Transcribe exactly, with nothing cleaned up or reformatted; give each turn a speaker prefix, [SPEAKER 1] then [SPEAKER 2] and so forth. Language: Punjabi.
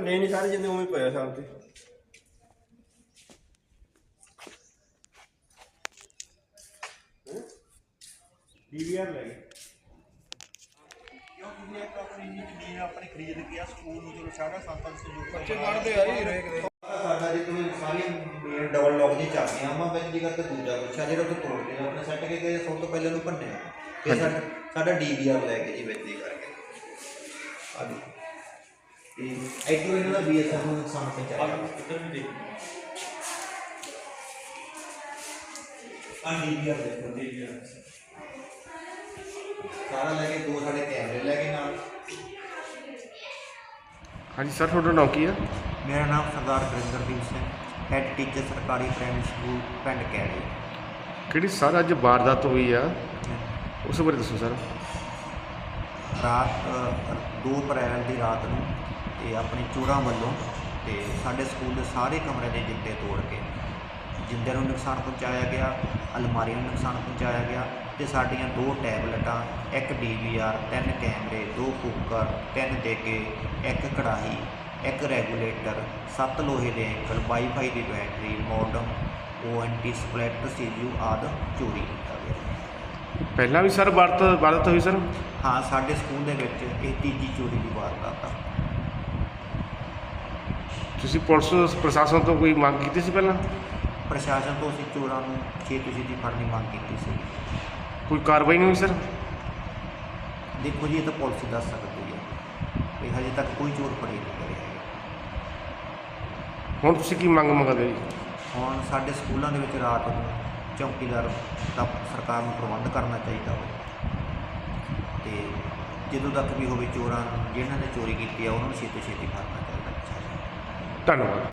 [SPEAKER 1] ਭੰਨੇ ਨਹੀਂ ਸਾਰੇ ਜਿੰਨੇ ਉਵੇਂ ਪਿਆ ਸਾਲ ਤੇ ਡੀਵੀਆਰ ਲੈ ਗਏ
[SPEAKER 2] क्योंकि एक अपनी जमीन अपनी खरीद के स्कूल में चलो साढ़े सत्त सौ
[SPEAKER 1] बच्चे पढ़ते आ ही रहे
[SPEAKER 2] ਸਾਡਾ ਜੇ ਕੋਈ ਸਾਰੀ ਮੇਨ ਡਬਲ ਲੌਕ ਦੀ ਚਾਬੀਆਂ ਆਵਾਂ ਬੈਂਦੀ ਕਰਕੇ ਦੂਜਾ ਪੁੱਛਿਆ ਜਿਹੜਾ ਤੋਂ ਤੋੜਦੇ ਆ ਆਪਣੇ ਸੈੱਟ ਕੇ ਗਏ ਸਭ ਤੋਂ ਪਹਿਲਾਂ ਨੂੰ ਭੰਨਿਆ ਤੇ ਸਾਡਾ ਸਾਡਾ ਡੀਵੀਆਰ ਲੈ ਕੇ ਜੀ ਬੈਂਦੀ ਕਰਕੇ ਆ ਦੇਖੋ ਇਹ ਐਕਟਿਵ ਇਹਨਾਂ ਦਾ ਬੀਐਸਐਫ ਨੂੰ ਨੁਕਸਾਨ ਪਹੁੰਚਾਇਆ
[SPEAKER 1] ਇੱਧਰ ਵੀ ਦੇਖ
[SPEAKER 2] ਆ ਡੀਵੀਆਰ ਦੇਖੋ
[SPEAKER 1] ਡੀਵੀਆਰ
[SPEAKER 2] ਸਾਰਾ ਲੈ ਕੇ ਦੋ ਸਾਡੇ ਕੈਮਰੇ ਲੈ ਕੇ ਨਾਲ
[SPEAKER 3] हाँ जी सर थोड़ा नाम की है
[SPEAKER 2] मेरा नाम सरदार गुरिंदरदीप सिंह हैड टीचर सरकारी प्राइमरी स्कूल पिंड कैड़े
[SPEAKER 3] कि सर अज वारदात हुई है उस बारे दसो सर
[SPEAKER 2] रात दो अप्रैल की रात ਨੂੰ ਤੇ ਆਪਣੇ ਚੋਰਾਂ ਵੱਲੋਂ ਤੇ ਸਾਡੇ ਸਕੂਲ ਦੇ ਸਾਰੇ ਕਮਰੇ ਦੇ ਜਿੰਦੇ ਤੋੜ ਕੇ ਜਿੰਦਿਆਂ ਨੂੰ ਨੁਕਸਾਨ ਪਹੁੰਚਾਇਆ ਗਿਆ ਅਲਮਾਰੀ ਨੂੰ ਨੁਕਸਾਨ ਪਹੁੰਚਾਇਆ ਗਿਆ ਤੇ ਸਾਡੀਆਂ ਦੋ ਟੈਬਲੇਟਾਂ ਇੱਕ ਡੀਵੀਆਰ ਤਿੰਨ ਕੈਮਰੇ ਦੋ ਕੁੱਕਰ ਤਿੰਨ ਦੇਗੇ ਇੱਕ ਕੜਾਹੀ ਇੱਕ ਰੈਗੂਲੇਟਰ ਸੱਤ ਲੋਹੇ ਦੇ ਐਂਕਲ ਵਾਈਫਾਈ ਦੀ battery modem O N T ਸਪਲੈਟ ਸੀਯੂ ਆਦਿ ਚੋਰੀ ਕੀਤਾ ਗਿਆ।
[SPEAKER 3] ਪਹਿਲਾਂ ਵੀ ਸਰ ਵਾਰਦਾਤ ਵਾਰਦਾਤ ਹੋਈ ਸਰ
[SPEAKER 2] ਹਾਂ ਸਾਡੇ ਸਕੂਲ ਦੇ ਵਿੱਚ ਇਹ ਤੀਜੀ ਚੋਰੀ ਦੀ ਵਾਰਦਾਤ ਆ।
[SPEAKER 3] ਤੁਸੀਂ ਪੁਲਿਸ ਪ੍ਰਸ਼ਾਸਨ ਤੋਂ ਕੋਈ ਮੰਗ ਕੀਤੀ ਸੀ ਪਹਿਲਾਂ
[SPEAKER 2] ਪ੍ਰਸ਼ਾਸਨ ਤੋਂ ਅਸੀਂ ਚੋਰਾਂ ਨੂੰ ਛੇਤੀ ਛੇਤੀ ਫੜਨ ਦੀ ਮੰਗ ਕੀਤੀ ਸੀ।
[SPEAKER 3] ਕੋਈ ਕਾਰਵਾਈ ਨਹੀਂ ਹੋਈ ਸਰ
[SPEAKER 2] ਦੇਖੋ ਜੀ ਇਹ ਤਾਂ ਪੁਲਿਸ ਹੀ ਦੱਸ ਸਕਦੀ ਹੈ ਇਹ ਹਜੇ ਤੱਕ ਕੋਈ ਚੋਰ ਫੜੇ ਨਹੀਂ ਕਰੇ ਹੈਗੇ।
[SPEAKER 3] ਹੁਣ ਤੁਸੀਂ ਕੀ ਮੰਗ ਮੰਗਦੇ ਜੀ
[SPEAKER 2] ਹੁਣ ਸਾਡੇ ਸਕੂਲਾਂ ਦੇ ਵਿੱਚ ਰਾਤ ਨੂੰ ਚੌਕੀਦਾਰ ਦਾ ਸਰਕਾਰ ਨੂੰ ਪ੍ਰਬੰਧ ਕਰਨਾ ਚਾਹੀਦਾ ਹੋਵੇ ਤੇ ਜਦੋਂ ਤੱਕ ਵੀ ਹੋਵੇ ਚੋਰਾਂ ਨੂੰ ਜਿਨ੍ਹਾਂ ਨੇ ਚੋਰੀ ਕੀਤੀ ਹੈ ਉਹਨਾਂ ਨੂੰ ਛੇਤੀ ਛੇਤੀ ਫੜਨਾ ਚਾਹੀਦਾ।
[SPEAKER 3] ਧੰਨਵਾਦ।